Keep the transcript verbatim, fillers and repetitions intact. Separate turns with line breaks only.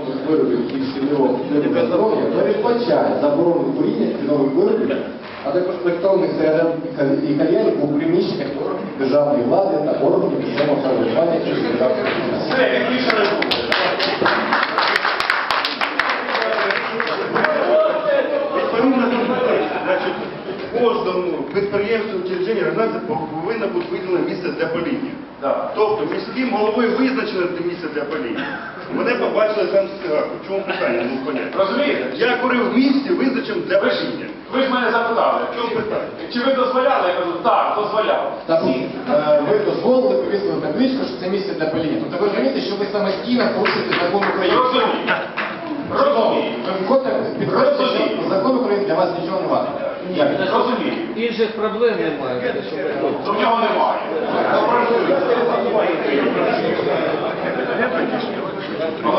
тютюнових виробів і всього здоров'я передбачає заборону куріння тютюнових виробів, а також електронних сигарет і кальянів у приміщеннях органів державної влади та органів місцевого самоврядування чи державної адміністрації.
Кожному підприємству учрежденню організації повинно бути виділено місце для паління.
Да.
Тобто міським головою визначено це місце для паління. Мене побачили там цигарку. В чому питання? Не понятно.
Розумієте?
Я курив в місті, визначено для
Ви ж,
паління.
ви ж мене запитали,
В чому питання?
чи ви дозволяли? Я кажу, так, дозволяв.
Так, е, ви дозволили повісили табличку, що це місце для паління. Тобто ви розумієте, що ви самостійно порушуєте закон України.
Розумію. Розумію.
Ви виходите, підходите, що закон України для вас нічого не варто. Як?
Розумію.
Інших проблем немає. щоб ви-
То в нього немає. Попрацюйте.